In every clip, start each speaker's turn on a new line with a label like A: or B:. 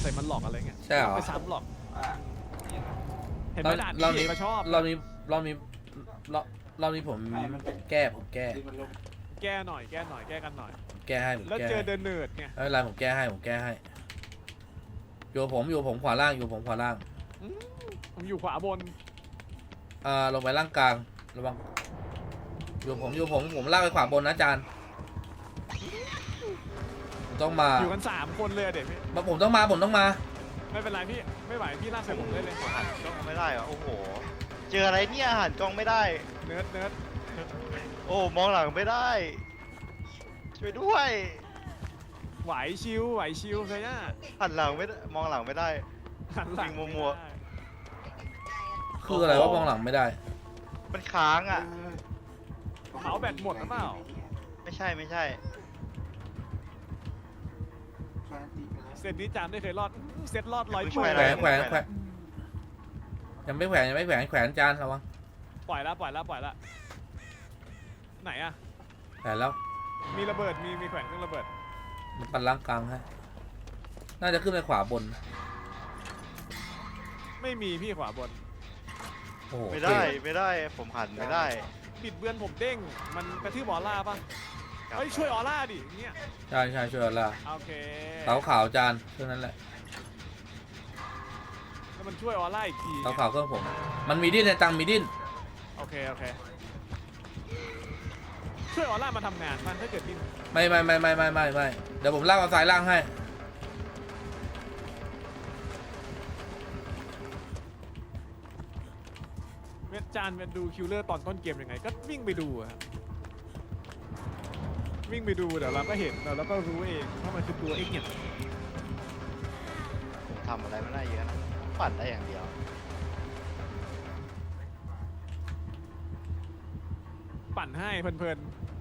A: ส่มันหลอกอะไรเงี้ย
B: ใช่เหรอ
A: ไม่ซ้ำหรอกเห็นไหมด่าน
B: เรา
A: นี้
B: นี้
A: ก็ชอบ
B: เรานี้ผมแก้
A: แก้หน่อยแก้กันหน่อย
B: แก้ให้ผม
A: แล้ว
B: แก้
A: เจอเดินเนิร์ดไง
B: ไม่เป็นไรผมแก้ให้อยู่ผมขวาล่างอยู่ผมขวาล่าง
A: ผมอยู่ขวาบน
B: ลงไปล่างกลางระวังอยู่ผมลากไปขวาบนนะอาจารย์ผมต้องมา
A: อยู่กัน3 คนเลยอะเด็กพี่
B: ผมต้องมา
A: ไม่เป็นไรพี่ไม่ไหวพี่ลากใส่ผมเลย
C: หันกล้องไม่ได้เหรอโอ้โหเจออะไรเนี่ยหันกล้องไม่ได้
A: เนิร์ด
C: โอ้มองหลังไม่ได้ช่วยด้วย
A: ไหวชิวเคยน่ะ
C: หันหลังไม่ได้มองหลังไม่ได้
A: หันหลัง
C: วิ่งมัว
B: คืออะไรว่ามองหลังไม่ได้
C: มันค้างอ่ะ
A: เขาแบตหมดหรือเปล่า
C: ไม่ใช่
A: เซตนี้จามได้เคยรอดเซตรอด100
C: ไม่
A: เป
C: ช่วย
A: อร์
C: อะไร
B: แขวนยังไม่แขวนแขวนอาจารย์ระวัง
A: ปล่อยละไหนอะ
B: แขวนแล้ว
A: มีระเบิดมีแขวนเครื่องระเบิด
B: ปั่นล่างกลางให้น่าจะขึ้นไปขวาบน
A: ไม่มีพี่ขวาบน
B: โอ้โห
C: ไม่ได้ผมหันไม่ได้
A: ปิดเบือนผมเด้งมันกระทืบออร่าป่ะเฮ้ยช่วยออร่าดิเนี่ย
B: ใช่ช่วยเรา
A: โอเค
B: เสาขาวอาจารย์เท่านั้นแหละ
A: แล้วมันช่วยออร่าอีกที
B: เสาขาวเครื่องผมมันมีดิ้นในตังมีดิ้น
A: โอเคช่วยออร่ามาทำงานมันถ้าเกิดดิ้น
B: ไม่เดี๋ยวผมลากเอาสายล่างให้
A: เวทจานเป็นดูคิลเลอร์ตอนต้นเกมยังไงก็วิ่งไปดูอะวิ่งไปดูเดี๋ยวเราก็เห็นเดี๋ยวเราก็รู้เองว่ามันคือตัวเองเนี่ย
C: ผมทำอะไรไม่ได้เยอะนะผมปั่นได้อย่างเดียว
A: ปั่นให้เพลิน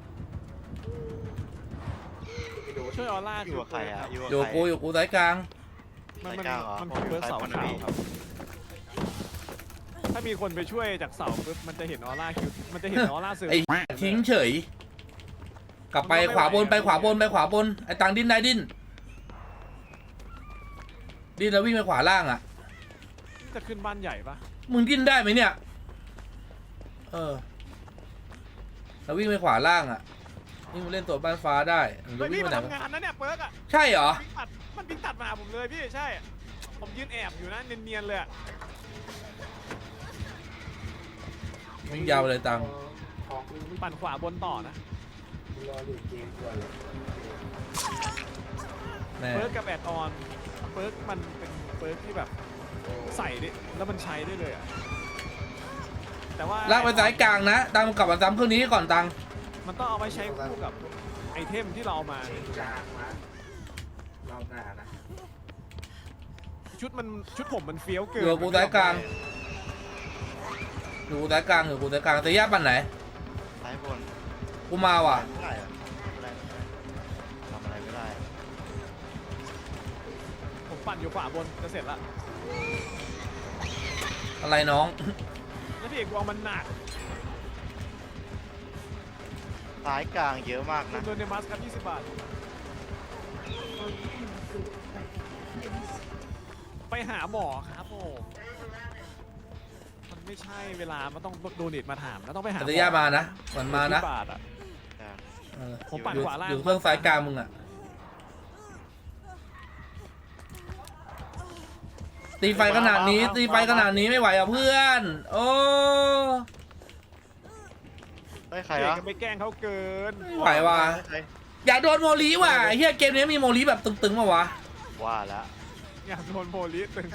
A: ช่วยออร่า
C: อยู่กับใครอ่ะ
B: อยู่
C: กับใคร
B: กูสายกลาง
A: มัน
C: สายกลางเหรอ
A: คือเบิร์ดเสา
C: ผม
A: ขาว
C: อยู่
A: ครับถ้ามีคนไปช่วยจากเสาปุ๊บมันจะเห็นออร่าคิวมันจะเห็นออร่าเสือ
B: ไอ้ทิ้งเฉย กลับไปขวาบนไปขวาบนไอ้ตังดิ้นได้ดิ้นแล้ววิ่งไปขวาล่างอ่ะ
A: จะขึ้นบ้านใหญ่ปะ
B: มึงดิ้นได้ไหมเนี่ยแล้ววิ่งไปขวาล่างอ่ะนี่มึงเล่นตัวบ้านฟ้าได้มึง
A: เฮ้ย
B: วิ่
A: พี่
B: งไป
A: มัน
B: ไหน
A: ทำงานนะเนี่ยเปิร์กอะ
B: ใช่เหรอ
A: มันวิ่งตัดมาหาผมเลยพี่ใช่ ผมยืนแอบอยู่นะเนียนๆเลยอะ
B: วิ่งยาวไปเลยตัง
A: ปั่นขวาบนต่อนะ
B: แน่
A: เปิร์กกับแอดออนเปิร์กมันเป็นเปิร์กที่แบบใส่ได้แล้วมันใช้ได้เลยอะแต่ว่า
B: ลากไปสายกลางนะตังกลับมาซ้ำเครื่องนี้ก่อนตัง
A: มันต้องเอาไปใช้คู่กับไอเทมที่เราเอามา
D: รอบหน้านะ
A: ชุดผมมันเฟี้ยวเกิน
B: อยู่กูสายกลางแต่ย่าปั่นไหน
C: ซ้ายบน
B: กูมาว่ะ
C: ไม่ได้อะไม่ได้ทำอะไรไม่ได้
A: ผมปั่นอยู่ขวาบนจะเสร็จละ
B: อะไรน้อง
A: แล้วพี่เอกวางมันหนัก
C: ซ้ายกลางเยอะมากนะ
A: โดนเดมัสครับ20 บาทไปหาหมอครับผมมันไม่ใช่เวลามันต้องโดเนทมาถามแล้วต้องไปหาหมอ
B: แต่ย่ามานะมันมานะ
A: 20 บาทอะ ผมปั่นขวาล่าง
B: อยู่เครื่องสายกลางมึงอ่ะตีไฟขนาดนี้ไม่ไหวอ่ะเพื่อนโอ้
C: ได้ใคร
A: เก่ง
C: วะ
A: กันไปแกล้งเขาเกิน
B: ไม่ไหวว่ะ
C: ได้ใคร
B: อยากโดนโมลีว่ะไอ้เฮียเกมนี้มีโมลีแบบตึงๆมาวะ
C: ว่าแล้ว
A: อยากโดนโพลิสตึง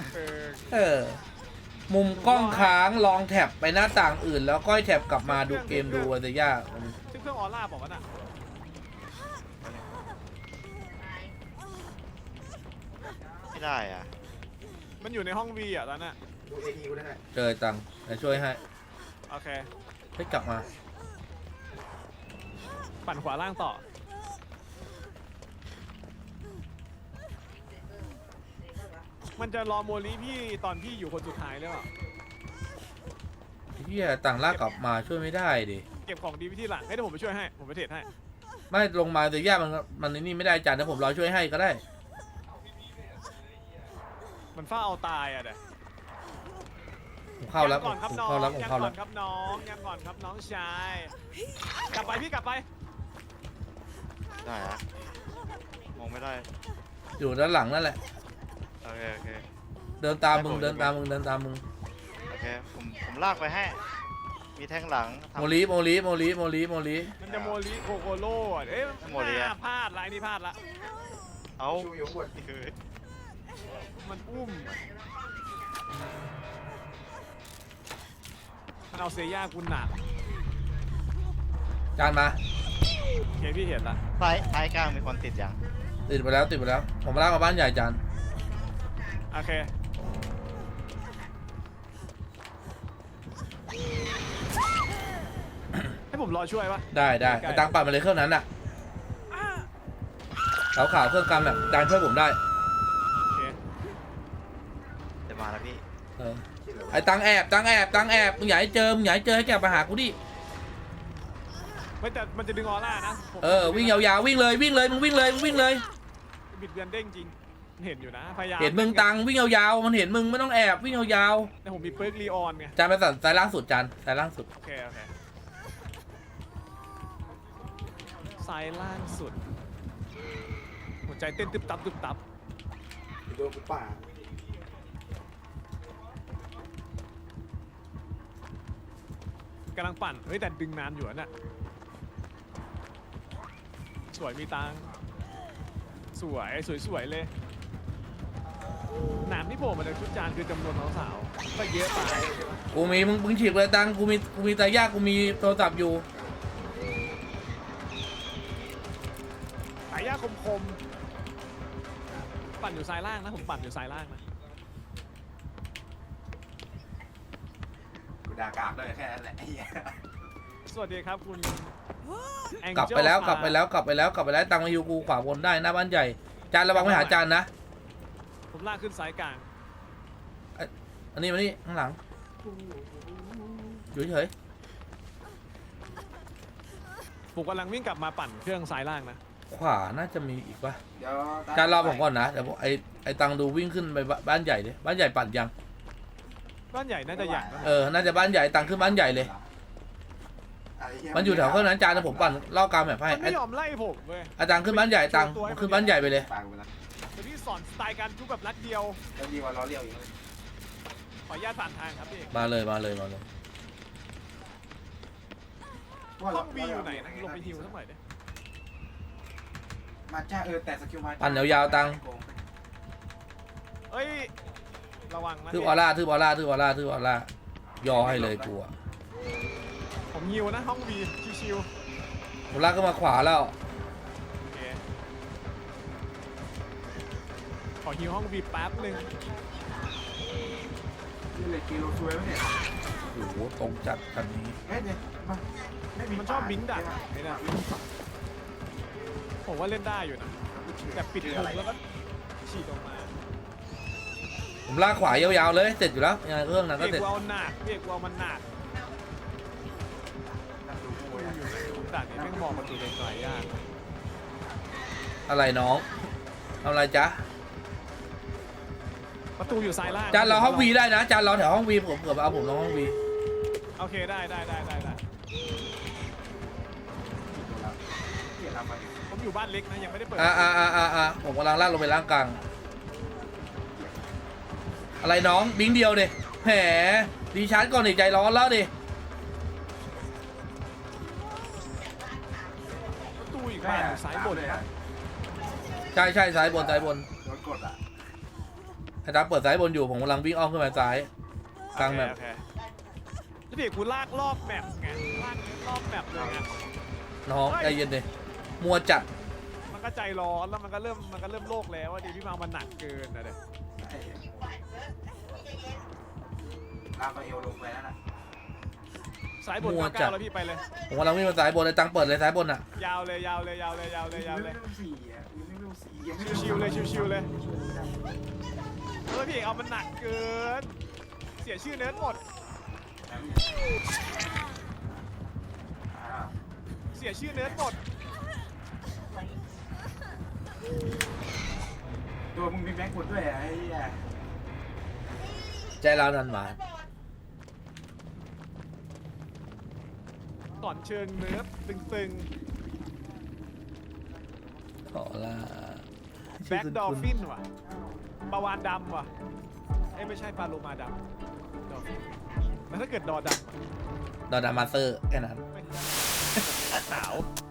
B: มุมกล้องค้างลองแท็บไปหน้าต่างอื่น แล้วก็แท็บกลับมาดูเกมดูแต่ยาก
A: ซึ่งเครื่องออร่าบอกว่าน่ะ
C: ไม่ได้อ่ะ
A: มันอยู่ในห้องวีอ่ะตอนน่ะ
D: ดูเอทีกูได้ไหม
B: เจอตังค์จะช่วยให้
A: โอเค
B: ให้กลับมา
A: ปั่นขวาล่างต่อ มันจะรอโมลีพี่ตอนพี่อยู่คนสุดท้ายหรือเปล่า
B: เฮียต่างลากกลับมาช่วยไม่ได้ดิ
A: เก็บของดีไปที่หลังให้เดี๋ยวผมไปช่วยให้ผมไปเทรดให้
B: ไม่ลงมาแต่ย่ามันนี่ไม่ได้จานนะผมรอช่วยให้ก็ได้
A: มันเฝ้าเอาตายอ่ะเด้
B: ผมเข้าแล้ว
A: ยังก่อนครับ
B: ผม
A: น้อง
B: เข้าแล้วผม
A: ยัง
B: เข้า
A: ก่
B: แล้
A: อ
B: วน
A: ครับน้องยังก่อนครับน้องชายกลับไปพี่กลับไป
C: ได้อะมองไม่ได้
B: อยู่ด้านหลังนั่นแหละ
C: โอเคโอเค
B: เดินตามมึงเดินตามมึงเดินตามมึง
C: โอเคผมลากไปให้มีแท่งหลังทำ
B: โมลีโมลีโมลีโมลีโมลี
A: มันจะโมลิโคโคโล่อะเอ๊ะ
C: โมลิอะ
A: พลาดละไอ้นี่พลาดละ
C: เอา
D: ชูอยู่ข้างบน
C: คือ
A: มันอุ้มมันเอาเซย่ากูหนัก
B: จานมา
A: โอเคพี่เห็นละ
C: ท้ายกลางมีคนติดยัง
B: ติดไปแล้วติดไปแล้วผมลากมาบ้านใหญ่จาน
A: โอเคให้ผมรอช่วยปะ
B: ได้ได้ไอ้ตังปัดมาเลยเครื่องนั้นน่ะขาวขาวเครื่องกำแบบจานช่วยผมได้
A: โอเค
C: เดี๋ยวมาแล้วพี่
B: เออไอ้ตังแอบมึงอย่าให้เจอมึงอย่าให้เจอให้แกมาหากูดิ
A: ไม่แต่มันจะดึงออร่านะผม
B: เออวิ่งยาวๆวิ่งเลยมึงวิ่งเลย
A: บิดเบือนเด้งจริงเห็นอยู่นะพยายาม
B: เห็นมึงตังวิ่งยาวๆมันเห็นมึงไม่ต้องแอบวิ่งยาว
A: แต่ผมมีเปิร์กลีออนไง
B: ๆจานไปสั่นสายล่างสุดจานสายล่างสุด
A: โอเคโอเคซ้ายล่างสุดหัวใจเต้นตึบตับตึบตับ
D: โดนกูป่า
A: กำลังปั่นเฮ้ยแต่ดึงนานอยู่อะน่ะสวยมีตังค์สวยเลยหนามที่โผล่มาจากชุดจานคือจำนวนสาวๆก็เยอะไป
B: กูมีมึงฉีกเลยตังกูมีตายากกูมีโทรศัพท์อยู่
A: สายยาคมๆปั่นอยู่ซ้ายล่างนะผมปั่นอยู่ซ้ายล่างนะ
D: กูด่ากราบเลยแค่นั้นแหละไอ้เหี้ย
A: สวัสดีครับคุณ
B: กลับไปแล้ว
A: Angel
B: กลับไปแล้วตังมาอยู่กูขวาบนได้หน้าบ้านใหญ่จานระวังไม่หาจานนะ
A: ผมลากขึ้นสายกลาง
B: อันนี้มานี่ข้างหลังอยู่เฉย
A: ผมกำลังวิ่งกลับมาปั่นเครื่องซ้ายล่างนะ
B: ขวาน่าจะมีอีกป่ะ
D: เดี๋ยว
B: จานรอผมก่อนนะเดี๋ยวไอ้ตังดูวิ่งขึ้นไปบ้านใหญ่ดิบ้านใหญ่ปั่นยัง
A: บ้านใหญ่น่าจะใหญ่นะ
B: เออน่าจะบ้านใหญ่ตังขึ้นบ้านใหญ่เลย
D: ไอ้เหี้
B: มันอยู่แถวเครื่องนั้นจานนะผมปั่นล่อกลางแบบให้
A: มันไม่ยอมไล่ผมเว้ย
B: อาจารย์ขึ้นบ้านใหญ่ตังขึ้นบ้านใหญ่ไปเลย
D: ปากกูไปแล้ว
A: เดี๋ยวพี่สอนสไตล์การทุบแบบรัดเดียว
D: แล้วดีกว่าล้อเลี้ยวอีกเลย
A: ขออนุญาตผ่านทางครับพี่
B: มาเลย
A: ห้องวีอยู่ไหนนะลงไปฮิวสักหน่อยดิ
D: มาจ้าแต่สกิลมา
B: ปั่นยาวๆตัง
A: เอ้ยระวังนะ
B: ทืบออร่ายอให้เลยกูอะ
A: ผมฮิวนะห้องวีชิว
B: ผมลากขึ้นมาขวาแล้ว
A: ๆโอเคขอฮิวห้องวีแป๊บหนึ่ง
D: นี่เลยกิโลช่วยไหมเนี่ย
B: โอ้โหตรงจัดคันนี้
D: เฮ้ยเนี่ยมาไม่มี
A: มันชอบบิงดักไอ้เนี่ยผมว่าเล่นได้อยู่นะแต่ปิดมุมแล้วก็ฉีดออกมา
B: ผมลากขวายาวๆเลยเสร็จอยู่แล้วยังไงเครื่องนั้นก็
A: พี่
B: เสร็จ
A: กูเอาหนักพี่กูเอามันหนัก
D: นั่งดูกูอ่ะ
A: ด่านนี้แม่งมองประตูไกลๆยาก
B: อะไรน้องทำอะไรจ๊ะ
A: ประตูอยู่ซ้ายล่าง
B: จานรอห้องวีได้นะจานรอแถวห้องวีผมเกือบเอาผมลงห้องวี
A: โอเคได้
D: เหี้ยทำมา
A: ผมอยู่บ้านเล็กนะยังไม่ได้เปิด
B: ผมกำลังลากลงไปล่างกลางอะไรน้องบิงเดียวดิแหมดีชาร์จก่อนดิใจร้อนแล้วดิ
A: ประตูอีกบ้านอยู่ซ้ายบน
D: เลย
A: ครับ
B: ใช่ซ้ายบน
D: โดนกดอ่ะ
B: ไอ้ตาเปิดซ้ายบนอยู่ผมกำลังวิ่งอ้อมขึ้นมาซ้ายกลางแบบ
A: โอเคแล้วพี่กูลากรอบแมปไงลากรอบแมปเลยไง
B: น้องใจเย็นดิมัวจัด
A: มันก็ใจร้อนแล้วมันก็เริ่มโลกแล้วว่าดีพี่มามันหนักเกินนะเด็ก
D: ลากไปเอวลงไปนั่นน่ะ
A: ซ้ายบนก้าวแล้วพี่ไปเลย
B: ผมกำลังวิ่งมาซ้ายบนไอ้ตังเปิดเลยซ้ายบนอ่ะ
A: ยาวเลย
D: ไม่ต้องสี่อ่ะไม่ต้องสี่ยังไม่
A: ชิวๆเลยพี่เอามันหนักเกินเสียชื่อเนิร์ดหมดเสียชื่อเนิร์ดหมด
D: ตัวมึงมีแม็กกดด้วยไอ้เหี้ย
B: ใจร้าวนันหมา
A: ก่อนเชิงเนื้อตึง
B: ขอละ
A: ๆแบ็กดอลฟินว่ะปลาวานดำว่ะเอ้ยไม่ใช่ปลาโลมาดำดอลฟินแล้วถ้าเกิดดอดำอะ
B: ดอดามาสเตอร์แค่นั้น
A: ไม่ใช่หนาว